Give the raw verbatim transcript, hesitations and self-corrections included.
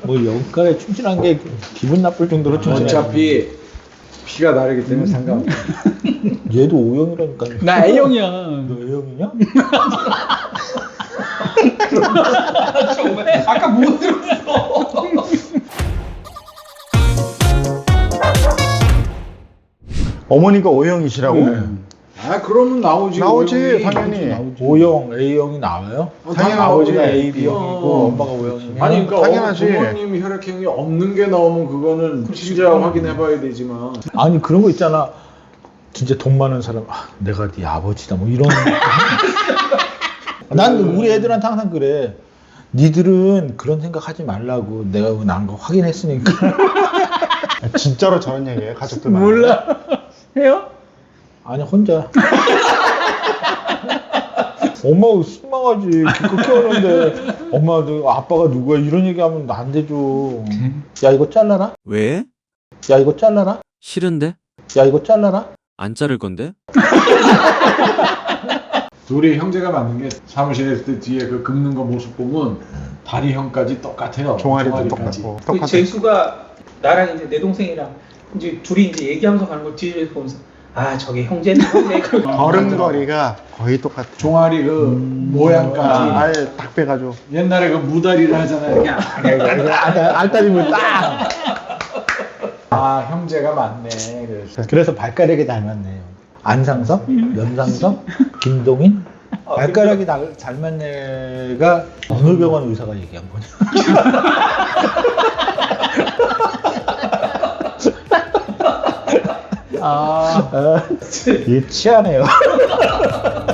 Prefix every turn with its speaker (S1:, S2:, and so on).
S1: 뭐 영가에 충실한 게 기분 나쁠 정도로 충실해.
S2: 어차피 피가 다르기 때문에 상관없어.
S1: 얘도 O형이라니까.
S3: 나 A형이야.
S1: 너 A형이냐?
S3: 정말 아까 못 들었어.
S4: 어머니가 O형이시라고?
S1: 네.
S2: 아 그러면 나오지.
S4: 나오지,
S2: 오형이.
S4: 당연히.
S1: O형, A형이 나와요?
S2: 어,
S1: 당연히
S2: 당연하지.
S1: 아버지가 A, B형이고
S2: 어.
S1: 엄마가 O형이면
S2: 아니 그러니까
S4: 당연하지.
S2: 어, 부모님 혈액형이 없는 게 나오면 그거는 진짜 확인해봐야 되지만.
S1: 아니 그런 거 있잖아. 진짜 돈 많은 사람, 아, 내가 네 아버지다 뭐 이런. 난 우리 애들한테 항상 그래. 니들은 그런 생각하지 말라고. 내가 난 거 확인했으니까.
S4: 진짜로 저런 얘기해요, 가족들 많이.
S3: 몰라. 해요?
S1: 아니 혼자. 엄마가 실망하지. 기껏 키웠는데 엄마 너 아빠가 누구야 이런 얘기하면 안 되죠. 야 이거 잘라라.
S5: 왜?
S1: 야 이거 잘라라.
S5: 싫은데?
S1: 야 이거 잘라라.
S5: 안 자를 건데?
S2: 둘이 형제가 맞는 게 사무실에 있을 때 뒤에 그 긁는 거 모습 보면 다리 형까지 똑같아요.
S4: 종아리도
S2: 종아리까지.
S4: 똑같고.
S3: 그
S4: 똑같아.
S3: 재수가 나랑 이제 내 동생이랑 이제 둘이 이제 얘기하면서 가는 걸 뒤에서 보면서 아 저게 형제는 형제.
S4: 걸음걸이가 거의 똑같아.
S2: 종아리 그 모양까지.
S4: 아, 아예 딱 빼가지고.
S2: 옛날에 그 무다리를 하잖아요. 이렇게
S1: 알다리물 딱.
S2: 아 형제가 맞네. 그래서.
S1: 그래서 발가락이 닮았네요. 안상섭, 연상섭, 김동인. 발가락이 다- 닮은 애가 어느 병원 의사가 얘기한 거냐? 아, 아, 유치하네요.